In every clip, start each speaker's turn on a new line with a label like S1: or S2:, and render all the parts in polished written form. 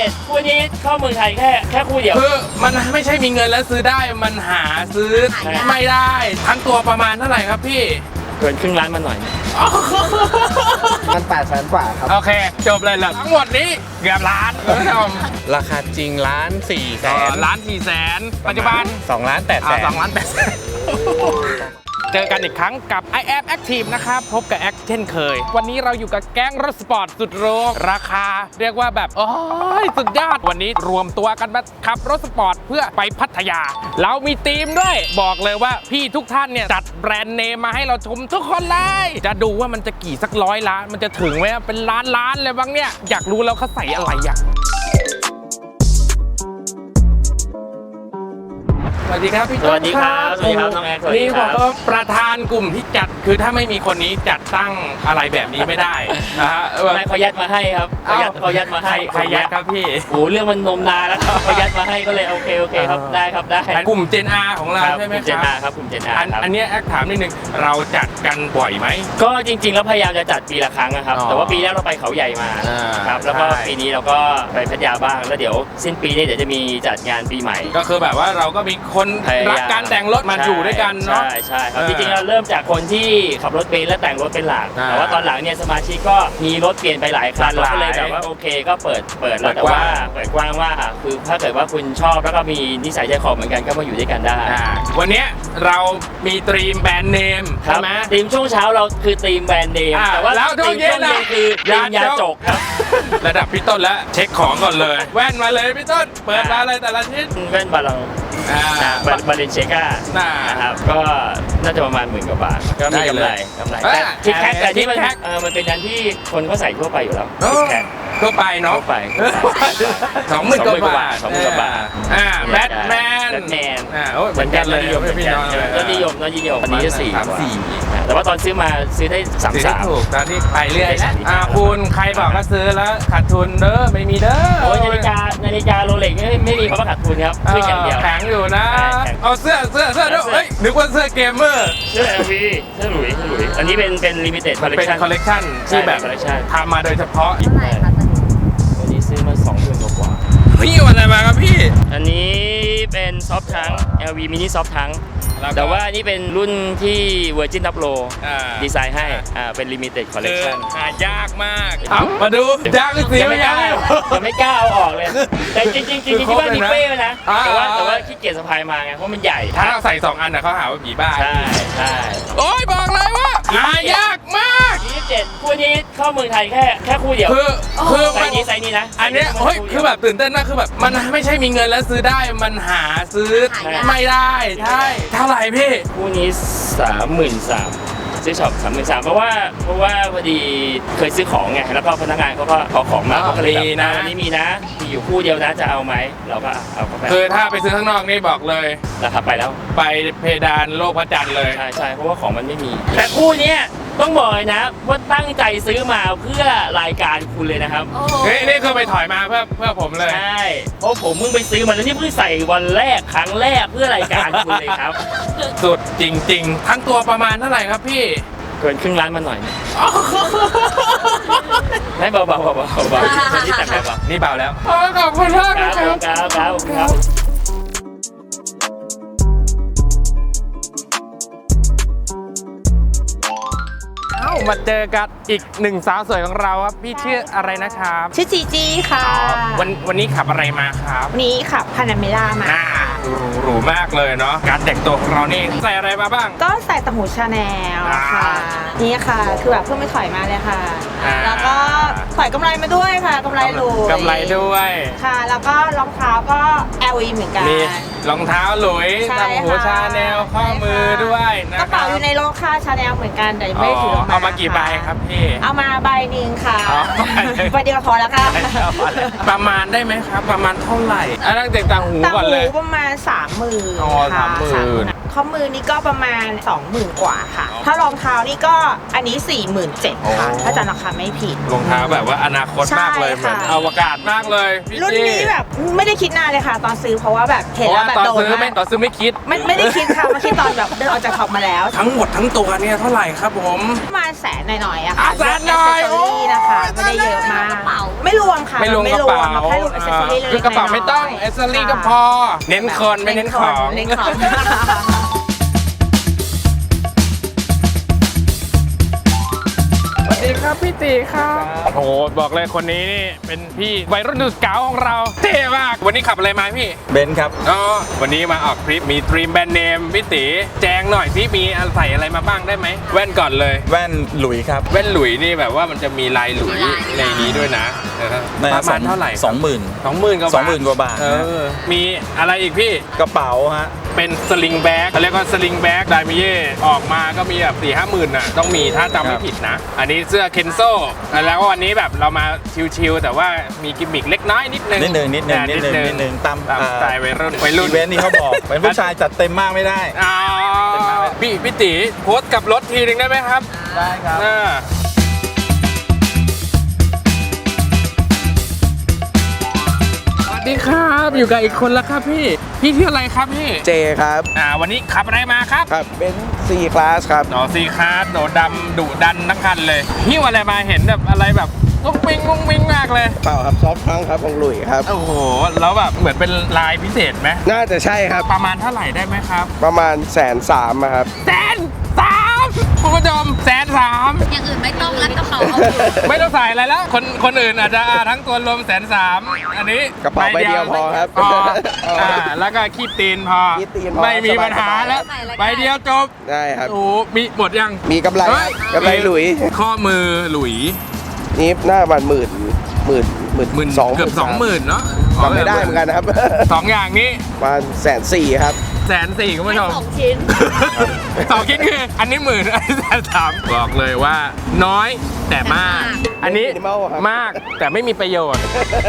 S1: 7คู่นี้เข้าเมืองไทยแค่คู่เดียว
S2: คือมันไม่ใช่มีเงินแล้วซื้อได้มันหาซื้อไม่ได้ทั้งตัวประมาณเท่าไหร่ครับพี่
S1: เกินครึ่งล้านมาหน่อย
S3: มัน800,000 กว่าครับ
S2: โอเคจบเลยเหรอทั้งหมดนี้เกือบล้านคุณผู้ชมราคาจริง1,400,000 1,400,000ปัจจุบัน2,800,000 2,800,000เจอกันอีกครั้งกับ I am Active นะครับพบกับแอคเช่นเคยวันนี้เราอยู่กับแก๊งรถสปอร์ตสุดโรงราคาเรียกว่าแบบโอ้ยสุดยอดวันนี้รวมตัวกันมาขับรถสปอร์ตเพื่อไปพัทยาเรามีทีมด้วยบอกเลยว่าพี่ทุกท่านเนี่ยจัดแบรนด์เนมมาให้เราชมทุกคนเลยจะดูว่ามันจะกี่สัก100 ล้านมันจะถึงไหมเป็นล้านเลยบ้างเนี่ยอยากรู้แล้วเขาใส่อะไรอ่ะสวัสดีครับพี่ต้น
S1: สวัสดีครับสวัสดีครับน้องแอคสวัสดี
S2: นี่
S1: ค
S2: บ
S1: รั
S2: อบ กว่าประธานกลุ่มที่จัดคือถ้าไม่มีคนนี้จัดตั้งอะไรแบบนี้ไม่ได้นะฮะ
S1: ไม่เขายัดมาให้ครับเขายัดมาให้
S2: ใครยัดครับพี่
S1: โอ้เรื่องมันนมนานแล้วครับเขายัดมาให้ก็เลยโอเคครับได้ครับได้
S2: กลุ่ม Gen R ของเราใช่ไหม
S1: กลุ่ม Gen
S2: ครั
S1: R ครับกลุ่ม Gen R
S2: อันนี้แอคถามนิดนึงเราจัดกันบ่อยไหม
S1: ก็จริงๆแล้วพยายามจะจัดปีละครั้งนะครับแต่ว่าปีแรกเราไปเขาใหญ่มาครับแล้วก็ปีนี้เราก็ไปพัทยาบ้างแล้วเดี๋ยวสิ้นปีนี้เดี๋ยวจะมีจัดงานปีใหม่
S2: ก็คือแบบว่าเราก็มีคนรักการแต่งรถมาอยู่ด้วยกันเนาะ
S1: ใช่ครับจริงๆเราเริ่มจากคนที่ขับรถเป็นและแต่งรถเป็นหลักแต่ว่าตอนหลังเนี่ยสมาชิกก็มีรถเปลี่ยนไปหลายคันเราก็เลยแบบว่าโอเคก็เปิดแล้วแต่ว่าเปิดกว้างว่าคือถ้าเกิดว่าคุณชอบแล้วก็มีนิสัยใจคอเหมือนกันก็มาอยู่ด้วยกันได้
S2: วันนี้เรามีตรีมแบรนด์เนมใช่ไหม
S1: ทีมช่วงเช้าเราคือทีมแบรนด์เนมแต่ว่าทีมช่วงเย็นคือทีมยาจกครับ
S2: ระดับพี่ต้นแล้วเช็คของก่อนเลยแว่นมาเลยพี่ต้นเปิดมาเลยแต่ละชิ้น
S1: แว่นบาลองบาเลนเชก้านะครับก็น่าจะประมาณ10,000 กว่าบาทก็มีกำไรแต่ที่แคทแต่ที่มันเป็นอันที่คนเขาใส่ทั่วไปอยู่แล้ว
S2: ทั่วไปเนาะ
S1: ทั่วไป
S2: 20,000 กว่าบาทแบทแมนเหมือนกันเลยพี่น้อง
S1: ยอดนิยมอันนี้จะ4แต่ว่าตอนซื้อมาซื้อได้33
S2: ถูกตอนที่ไปเรื่อยคุณใครบอกว่าซื้อแล้วขาดทุนเด้อไม่มีเด้อ
S1: โอ้ยนาฬิกาโรเล็กไม่มีคำว่าขาดทุนครับขึ้นอย่างเดียว
S2: แข็งอยู่นะเอาเสื้อด้วยเฮ้ยนึกว่าเสื้อเกมเมอร์
S1: เสื้อ LV เสื้อหลุยอันนี้เป็นลิมิเต็ดคอลเลคชั่น
S2: เป็นคอลเลคชั่นที่แบบทำมาโดยเฉพาะ
S1: วันนี้ซื้อมา20,000 กว่า
S2: พี่วันอะไรมาครับพี่
S1: อันนี้เป็นซอฟทัง LVมินิซอฟทังแต่ว่านี่เป็นรุ่นที่ Virgin Top Low ดีไซน์ให้เป็น Limited Collection
S2: หายากมากมาดูยากสิ
S1: ไม่ได้ยังไม่กล้าเอาออกเลยแต่จริงที่บ้านมีเป้นะแต่ว่าขี้เกียจสะพายมาไงเพราะมันใหญ่
S2: ถ้าเราใส่2 อันเขาหาว่าผีบ้า
S1: ใช่
S2: โอ้ยบอกเลยว่าหายากมาก
S1: 27คู่นี้เข้าเมืองไทยแค่คู่เดียว
S2: คือ
S1: ไซส์นี้นะ
S2: อันนี้เฮ้ยคือแบบตื่นเต้นมากคือแบบมันไม่ใช่มีเงินแล้วซื้อได้มันหาซื้อไม่ได้ใช่เท่าไหร่พี่
S1: คู่นี้33,000ซื้อช็อป33,000เพราะว่าพอดีเคยซื้อของไงแล้วก็พนักงานเขาก็ขอของมาเขาก็เลยนะวันนี้มีนะมีอยู่คู่เดียวนะจะเอาไหมเราก็เอาเข้าไป
S2: คือถ้าไปซื้อข้างนอกนี่บอกเลย
S1: ราคาไปแล้ว
S2: ไปเพดานโลกพระจันทร์เลย
S1: ใช่เพราะว่าของมันไม่มีแต่คู่นี้ต้องบอกเลยนะว่าตั้งใจซื้อมาเพื่อรายการคุณเลยนะครับ
S2: นี่คือไปถอยมาเพื่อผมเลย
S1: ใช่เพราะผมเพิ่งไปซื้อมาแล้วนี่เพิ่งใส่วันแรกครั้งแรกเพื่อรายการคุณเลยครับ
S2: สุดจริงๆทั้งตัวประมาณเท่าไหร่ครับพี่
S1: เกินครึ่งล้านมาหน่อยให้เบานี่แต่เบา
S2: นี่เบาแล้วขอบคุณมาก
S1: ครับ
S2: มาเจอกับอีก1 สาวสวยของเราครับพี่ชื่ออะไรนะครับ
S4: ชื่อจีจีค่ะ
S2: วันนี้ขับอะไรมาครับ
S4: วันนี้ขับพานาเมล่ามา
S2: หรูมากเลยเนาะการแต่งตัวของเรานี่ใส่อะไรมาบ้าง
S4: ก็ใส่ต่างหูชาแนลค่ะนี่ค่ะคือแบบเพิ่งไปถอยมาเลยค่ะแล้วก็ถอยกำไรมาด้วยค่ะกำไร
S2: ด้วย
S4: ค่ะแล้วก็รองเท้าก็ LV เหมือนกัน
S2: มีรองเท้าหลุยต่างหูชาแนลข้อมือด้วยนะ
S4: กระเป๋าอยู่ในโลค่าชาแนลเหมือนกันแต่ไม่ถือ
S2: เอามากี่ใบครับพี่
S4: เอามาใบหนึ่งค่ะใบเดียวพอแล้วค่ะ
S2: ประมาณได้ไหมครับประมาณเท่าไหร่ตั้งแต่ต่างหูก่อนเลย
S4: ประมาณ30,000ค่ะข้อมือนี่ก็ประมาณ20,000 กว่าค่ะถ้ารองเท้านี่ก็อันนี้47,000ค่ะถ้าจำราคาไม่ผิด
S2: รองเท้าแบบว่าอนาคตมากเลยเหมือนอวกาศมากเลย
S4: รุ่นนี้แบบไม่ได้คิดนานเลยค่ะตอนซื้อเพราะว่าแบบเห็นแล้วแบบโดน
S2: ตอนซื้อไม่คิด
S4: ไม่ได้คิดค่ะมาคิดตอนแบบเดินออกจากช็อปมาแล้ว
S2: ทั้งหมดทั้งตัวเนี่ยเท่าไหร่ครับผม
S4: ประมาณ100,000 หน่อยอะค่ะ
S2: 100,000หน่อย
S4: นะคะไม่ได้เยอะมากไม่ไม่รวมค่ะ
S2: ไม่รวมกระเป๋า
S4: มาแค่รวม accessory เล็กๆ
S2: คือกระเป๋าไม่ต้อง
S4: น้ยๆ
S2: เอสเซอรี่ก็พอ เน้นคนไม่เน้นของ
S4: เน้นของ
S2: สวัสดีครับพี่ตีครับโอ้โหบอกเลยคนนี้นี่เป็นพี่วัยรุ่นดูสเกาของเราเท่มากวันนี้ขับอะไรมาพี่
S3: เบนซ์ครับ
S2: อ๋อวันนี้มาออกทริปมีทรีมแบรนด์เนมพี่ตีแจงหน่อยพี่มีใส่อะไรมาบ้างได้ไหมแว่นก่อนเลย
S3: แว่นหลุยครับ
S2: แว่นหลุยนี่แบบว่ามันจะมีลายหลุยในนี้ด้วยนะประมาณเท่าไหร่
S3: 20,000
S2: 20,000กว่าบาท
S3: 20,000 กว่าบาท
S2: มีอะไรอีกพี่
S3: กระเป๋าฮะ
S2: เป็นสลิงแบ็กเขาเรียกว่าสลิงแบ็กไดมิเย่ออกมาก็มีแบบ4-5 หมื่นน่ะต้องมีถ้าจำไม่ผิดนะ อันนี้เสื้อเคนโซแล้ววันนี้แบบเรามาชิลๆแต่ว่ามีกิมมิคเล็กน้อยนิดนึง
S3: นิดหนึ่งตาม
S2: สไตล์วัยรุ่น
S3: อีเวนต์นี่เขาบอก เป็นผู้ชายจัดเต็มมากไม่ได้
S2: อ๋อพี่ตีโพสต์กับรถทีนึงได้ไหมครับ
S3: ได้ครับ
S2: สวัสดีครับอยู่กับอีกคนแล้วครับพี่ชื่ออะไรครับพี่
S5: เจครับ
S2: วันนี้ขับอะไรมาครับ
S5: ครับเป็น4 คลาสครับ
S2: หนอซีคาร์ดโหนดำดุดันทั้งคันเลยหิ้วอะไรมาเห็นแบบอะไรแบบงุ้งมิ้งมากเลย
S5: เปล่าครับซอฟต์ทรังก์ครับของหลุยครับ
S2: โอ้โหแล้วแบบเหมือนเป็นลายพิเศษไหม
S5: น่าจะใช่ครับ
S2: ประมาณเท่าไหร่ได้ไหมครับ
S5: ประมาณ130,000ครับ
S2: 130,000คุณผู้ชม130,000
S6: อย่างอื่นไม่ต้องแล้วกระเป๋าเอาอยู่
S2: ไม่ต้องใส่อะไรแล้วคนอื่นอาจจะทั้งตัวรวม130,000อันนี้
S5: กระเป๋าใบเดียวพอครับ
S2: พอแล้วก็ขี้ตีนพอ
S5: ขี้ตีนพอ
S2: ไม่มีปัญหาแล้ว
S6: ใส่อะไรก็
S2: ใบเดียวจบ
S5: ได้ครับ
S2: โอ้มีหมดยัง
S5: มีกำไร
S2: เฮ้ย
S5: กำไรหลุย
S2: ข้อมือหลุย
S5: นี่หน้าประมาณหมื่น
S2: เกือบ20,000เนาะ
S5: จำไม่ได้เหมือนกันนะครับ
S2: สองอย่างนี้
S5: ประมาณ140,000ครับ
S2: 140,000คุณผู้ชม
S6: 2 ชิ้น
S2: สองคิดคืออันนี้10,000อันนี้130,000บอกเลยว่าน้อยแต่มาก อันนี้
S5: Minimal ครับ
S2: มากแต่ไม่มีประโยชน์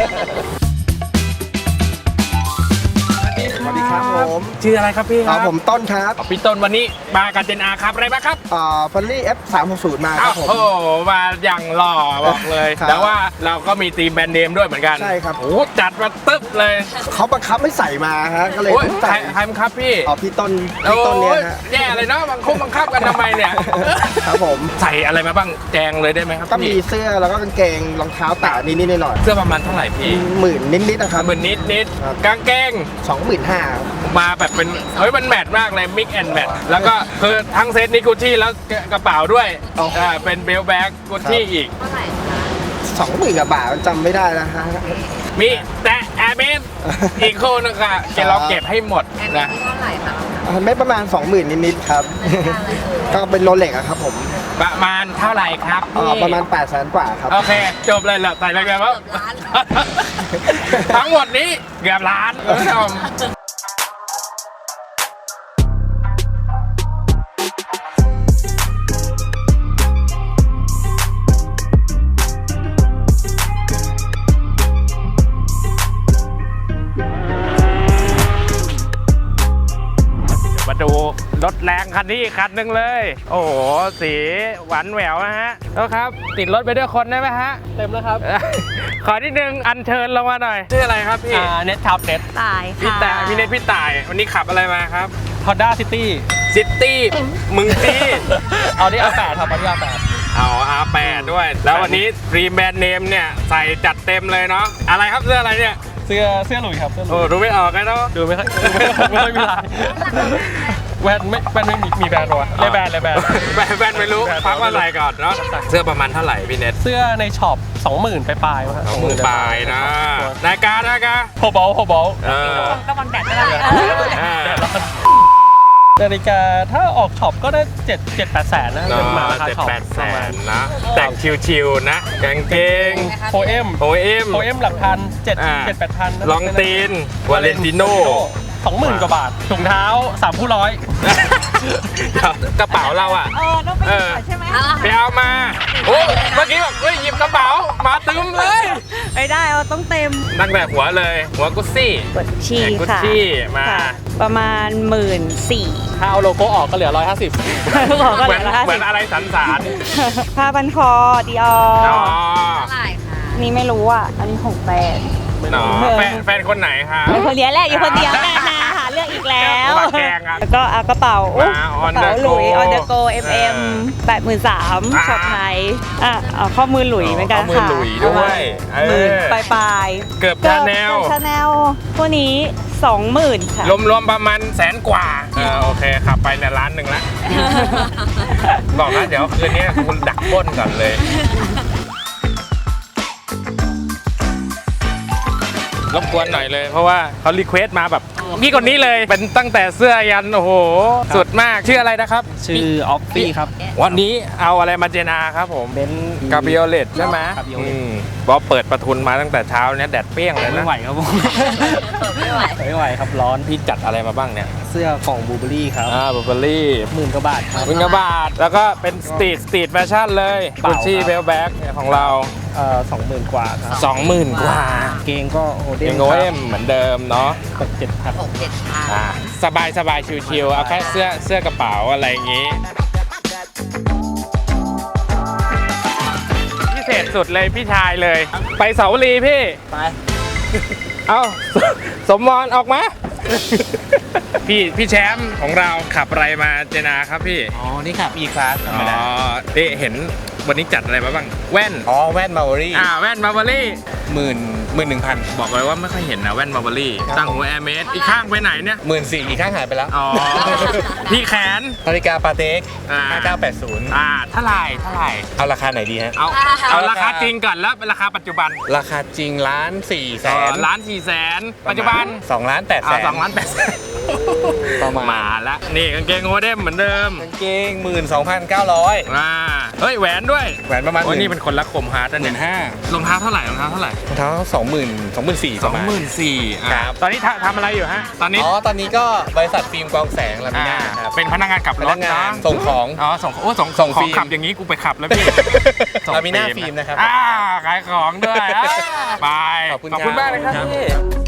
S5: สวัสดีครับผม
S2: ชื่ออะไรครับพี่ครับ
S5: ผมต้นครับ
S2: พี่ต้นวันนี้มากับเจนอาครับอะไรบ้างครับ
S5: ฟัลลี่ F360 มาครับผม
S2: โอ้โหมาอย่างหล่อบอกเลย
S5: ครับ
S2: แต่ว่าเราก็มีทีมแบรนด์เนมด้วยเหมือนกัน
S5: ใช่ครับ
S2: โอ้โหจัดมาตึ๊บเลย
S5: เขาบังคับให้ใส่มาฮะก็เลย
S2: โอ้ย
S5: ต้อง
S2: ใคร
S5: ใส่
S2: ใครบังคับพี่
S5: พี่ต้นเนี่ยฮะ
S2: แย่เลยเนาะบังคับกันทำไมเนี่ย
S5: ครับผม
S2: ใส่อะไรมาบ้างแจงเลยได้ไหมครับ
S5: ก็มี
S2: พี่
S5: เสื้อแล้วก็กางเกงรองเท้าแตะนิดๆหน่อย
S2: เสื้อประมาณเท่าไหร่พี่
S5: ๆหมื่นนิดๆนะครับ
S2: เหมือนนิด
S5: ครับ
S2: กางเกง
S5: 25,000
S2: มาแบบเป็นเฮ้ยมันแมทมากเลยมิกแอนแมทแล้วก็คือทั้งเซตนี้กุชชี่แล้วกระเป๋าด้วย
S5: อ๋อ
S2: เป็นเบลแบ็กกุชชี่อีก
S6: เท่าไหร่คะ
S5: 20,000 กว่าบาทจำไม่ได้นะฮะ
S2: มีแต่แอร์เมสอีกคู่นึงค่ะเราเก็บให้หมด
S6: แอม
S2: นะ
S6: ที่เท่าไหร่คะ
S5: ไม่ประมาณ 20,000 นิดๆครับ ก็เป็นโรเล็กอะครับผม
S2: ประมาณเท่าไหร่ครับพี่
S5: ประมาณ 800,000 กว่าครับ
S2: โอเค จบเลยเหรอใส่อะไรกันวะ
S6: เกือบล้าน
S2: ทั้งหมดนี้เกือบล้านคุณผู้ชมมาดูรถแรงคันนี้อีกคันหนึ่งเลย โอ้โห สีหวานแหววนะฮะแล้วครับ ติดรถไปด้วยคนได้ไหมฮะ
S7: เต็มแล้วครับ
S2: ขอนิดนึงอัญเชิญลงมาหน่อย ชื่ออะไรครับพี่
S7: เน็ตครับเน็ต
S6: ตาย
S2: พี่
S6: ค่ะ
S2: ต่ายพี่เนทพี่ต่าย วันนี้ขับอะไรมาครับ
S7: Honda City
S2: ซิตี้มึงตี้
S7: เอาที่ R8 ครับเอาที่ R8
S2: เอา R8 ด้วย แล้ววันนี้รีแบรนด์เนมเนี่ยใส่จัดเต็มเลยเนาะอะไรครับเสื้ออะไรเนี่ย
S7: เสื้อหลุยครับเสื้อหลุ
S2: โอ้
S7: ย
S2: ดูไม่ออกเลยเนาะ
S7: ดูไม่ค่อยมีลายแว่นไม่มีแบรนด์หรอวะเลยแบรนด์
S2: แบนไม่รู้พักว่าอะไรก่อนเนาะเสื้อประมาณเท่าไหร่พี่เน็ต
S7: เสื้อในช็อป 20,000 ปลายๆ
S2: 20,000 ปลายนะนายการ
S7: โฮบอล
S2: เออ
S6: ก็มันแบตไม่ได้
S2: อ่า
S7: นาฬิกาถ้าออกช็อปก็ได้7-8 แสนนะเป็นมาราคาช็อป
S2: 7-8 แสนนะแต่งชิวๆนะกางเกง
S7: โพเอ็ม
S2: โอเอ็ม
S7: หลักพัน7-8 พัน
S2: ลองตีนวาเลนติโน่
S7: 20,000 กว่าบาทถุงเท้า3คู่ร้อย
S2: กระเป๋าเราอ่ะ
S4: ต้องไปหยิบก่อนใช่ไหม
S2: ไปเอามาโอ้เมื่อกี้แบบเฮ้ยหยิบกระเป๋ามาตึมเลย
S4: ไม่ได้เอาต้องเต็ม
S2: ตั้งแต่หัวเลยหัวกุชชี่
S4: กดชี
S2: กุช
S4: ค่ะ
S2: ชี่มา
S4: ค่ะประมาณ 14,000
S7: ถ้าเอาโลโก้ออกก็เหลือ 150
S4: บอกก็
S2: เห
S4: เห
S2: มื
S4: ลื
S2: อน
S4: อ
S2: เหมือนอะไรสันสาน
S4: ผ้าพันคอดีออ
S2: อ๋อ
S6: เท่าไหร่คะ
S4: นี่ไม่รู้อ่ะ อันนี้ของแฟน
S2: เนาะแฟนคนไหนคะ
S4: อยู่คนเดียวแหละอยู่คนเดียวแหละหาเลือกอีกแล้ว
S2: มาแกงอ่ะ
S4: แล้วก็เอากระเป๋า
S2: มา On
S4: กระ
S2: the
S4: เป๋าหลุย
S2: go
S4: On the go MM 83,000ช็อปไทยเอาข้อมือหลุยเหมือนกัน
S2: ข้อมือ
S4: ค่ะ
S2: หลุยด้วย
S4: หมื่นปลาย
S2: เกือบชาแนล
S4: ชาแนลพวกนี้ 20,000 ค่ะ
S2: รวมๆประมาณ100,000 กว่าโอเคขับไปเนี่ย1 ล้านละ บอกนะเดี๋ยวคืนนี้คุณดักปล้นก่อนเลย รบกวนหน่อยเลย เพราะว่าเขารีเควสต์มาแบบพี่คนนี้เลยเป็นตั้งแต่เสื้อยันโอ้โห สุดมากชื่ออะไรนะครับ
S7: ชื่อออฟฟี่ครับ
S2: วันนี้เอาอะไรมาเจนาครับผม
S7: เบนซ์
S2: กาเบรียเลตใช่ไหม
S7: Cabriolet
S2: บอกเปิดประทุนมาตั้งแต่เช้าเนี่ยแดดเปรี้ยงเลย
S7: ไม่
S2: นะ
S7: ไหวครับผม
S6: ไม่ไหว
S7: ไม่ไหวครับร้อน
S2: พี่จัดอะไรมาบ้างเนี่ย
S7: เสื้อของบูเบอรี่ครับ
S2: บับเบอรี่
S7: 10,000 กว่าบาทครับ
S2: วิงกบาทแล้วก็เป็นสตรีทแฟชั่นเลย
S7: เปล่า
S2: กุชชี่
S7: ครับ
S2: เบลแบ็กของเรา
S7: 20,000 กว่าครับ
S2: 20,000 กว่า
S7: เกงก็โอเด
S2: เอ็
S7: น
S2: งโอเอ็มเหมือนเดิมเนาะ
S7: 6-7 พัน
S6: 6-7 พัน
S2: สบายชิวๆเอาแค่เสื้อกระเป๋าอะไรอย่างงี้ พิเศษสุดเลยพี่ชายเลย ไปเสาวรีพี่
S7: ไป
S2: เอาสมวรออกมา พี่แชมป์ของเราขับอะไรมาเจนาครับพี่
S3: อ๋อ นี่ครับ E-Class ธรรมดา
S2: นี่เห็นวันนี้จัดอะไรมาบ้าง แว่น
S3: อ๋อ แว่นมาร์วอรี่
S2: แว่นมาร์เบอรี่
S3: 11,000
S2: บอกเลยว่าไม่ค่อยเห็นนะแว่นมาร์เบอรี่ตั้งหัวแอร์เมสอีกข้างไปไหนเนี่ย
S3: 14,000อีกข้างหายไปแล้ว
S2: อ๋อ พี่แขน
S3: นาฬิกาปาเต็ก
S2: อ่า
S3: 5980
S2: เท่าไหร่
S3: เอาราคาไหนดีฮะ
S2: เอาราคาจริงก่อนแล้วเป็นราคาปัจจุบัน
S3: ราคาจริง1,400,000
S2: 1,400,000ปัจจุบัน
S3: 2,800,000
S2: 2,800,000
S3: ประมาณ
S2: มาละนี่กางเกงโอเดมเหมือนเดิม
S3: กางเกง 12,900
S2: เฮ้ยแหวนด้วย
S3: แหวนประมาณ
S2: โอ้ยนี่เป็นคนรักคมฮาร์ดนะเนี่ย
S3: 15,000
S2: รองเท้าเท่าไหร่
S3: รองเท้า24,000ประมาณ
S2: 24,000
S3: ครับ
S2: ตอนนี้ทำอะไรอยู่ฮะตอนนี้
S3: อ๋อ ตอนนี้ก็บริษัทฟิล์มกองแสงลามิน่าครับ
S2: เป็นพนักงานขับ
S3: พ
S2: ร
S3: นั
S2: ถ
S3: กงาน
S2: นะ
S3: ส่งของ
S2: อ๋อส่งส่ง
S3: ส่ง
S2: ของ
S3: ฟิล์ม
S2: ขับอย่างนี้กูไปขับแล้วพี่
S3: ลามิน่าฟิล์มนะครับ
S2: ขายของด้วยไป
S3: ขอบคุณ
S2: มากเลยครับ
S3: ครับ
S2: พี่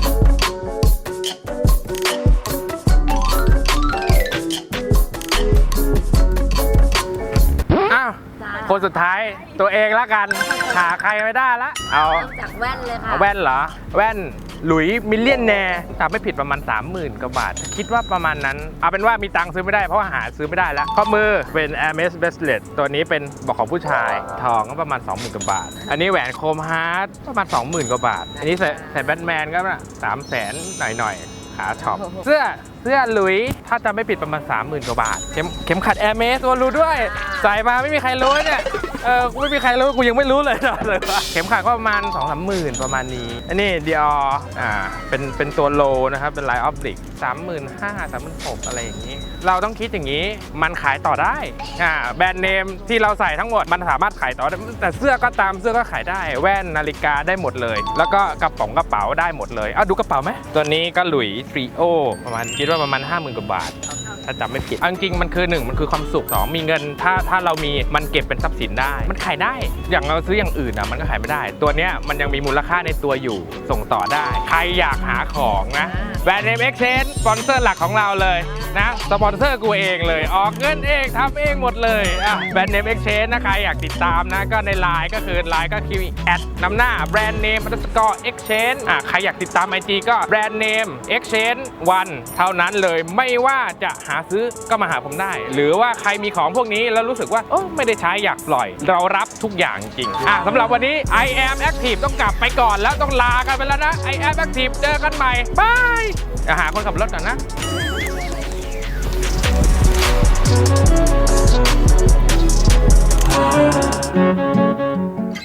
S2: อ้าวคนสุดท้ายตัวเองละกันหาใครไม่ได้ละเอา
S6: เริ่มจากแว่นเลยค่ะ
S2: เอาแว่นเหรอ แว่นหลุยมิลเลียนแนร์จำไม่ผิดประมาณ 30,000 กว่าบาท คิดว่าประมาณนั้น เอาเป็นว่ามีตังค์ซื้อไม่ได้เพราะว่าหาซื้อไม่ได้แล้ว ข้อมือเป็น Hermes Bracelet ตัวนี้เป็นบอกของผู้ชาย ทองก็ประมาณ 20,000 กว่าบาท อันนี้แหวนโคมฮาร์ดประมาณ 20,000 กว่าบาท อันนี้ใส่แบทแมนก็300,000 หน่อยๆ หาช็อป เสื้อหลุยถ้าจำไม่ผิดประมาณ 30,000 กว่าบาท เข็มขัด Hermes ตัวรู้ด้วย ใส่มาไม่มีใครรู้เนี่ย ไม่มีใครรู้กูยังไม่รู้เลยเลยว่าเข็มขัดก็ประมาณ 2-3 หมื่นประมาณนี้ อันนี้ Dior เป็นตัวโลนะครับ เป็นลายออฟบลิก 35,000 36,000 อะไรอย่างนี้ เราต้องคิดอย่างนี้ มันขายต่อได้แบรนด์เนมที่เราใส่ทั้งหมดมันสามารถขายต่อได้แต่เสื้อก็ตามเสื้อก็ขายได้ แว่นนาฬิกาได้หมดเลย แล้วก็กระเป๋าได้หมดเลยเอาดูกระเป๋าไหมตัวนี้ก็หลุยทริโอประมาณคิดว่าประมาณ 50,000 กว่าบาท ถ้าจำไม่ผิดจริงๆมันคือ1มันคือความสุข2มีเงินถ้าเรามีมันเก็บเป็นทรัพย์สินได้มันขายได้อย่างเราซื้ออย่างอื่นมันก็ขายไม่ได้ตัวเนี้ยมันยังมีมูลค่าในตัวอยู่ส่งต่อได้ใครอยากหาของนะแบรนด์เนม Exchange สปอนเซอร์หลักของเราเลยนะสปอนเซอร์กูเองเลยออกเงินเองทำเองหมดเลยแบรนด์เนม Exchange นะใครอยากติดตามนะก็ในไลน์ก็คือไลน์ก็คือนำหน้าแบรนด์เนม_exchange ใครอยากติดตาม IG ก็แบรนด์เนม Exchange 1เท่านั้นเลยไม่ว่าจะหาซื้อก็มาหาผมได้หรือว่าใครมีของพวกนี้แล้วรู้สึกว่าไม่ได้ใช้อยากปล่อยเรารับทุกอย่างจริงสำหรับวันนี้ I am active ต้องกลับไปก่อนแล้วต้องลากันไปแล้วนะ I am active เจอกันใหม่บายหาคนขับรถก่อนนะ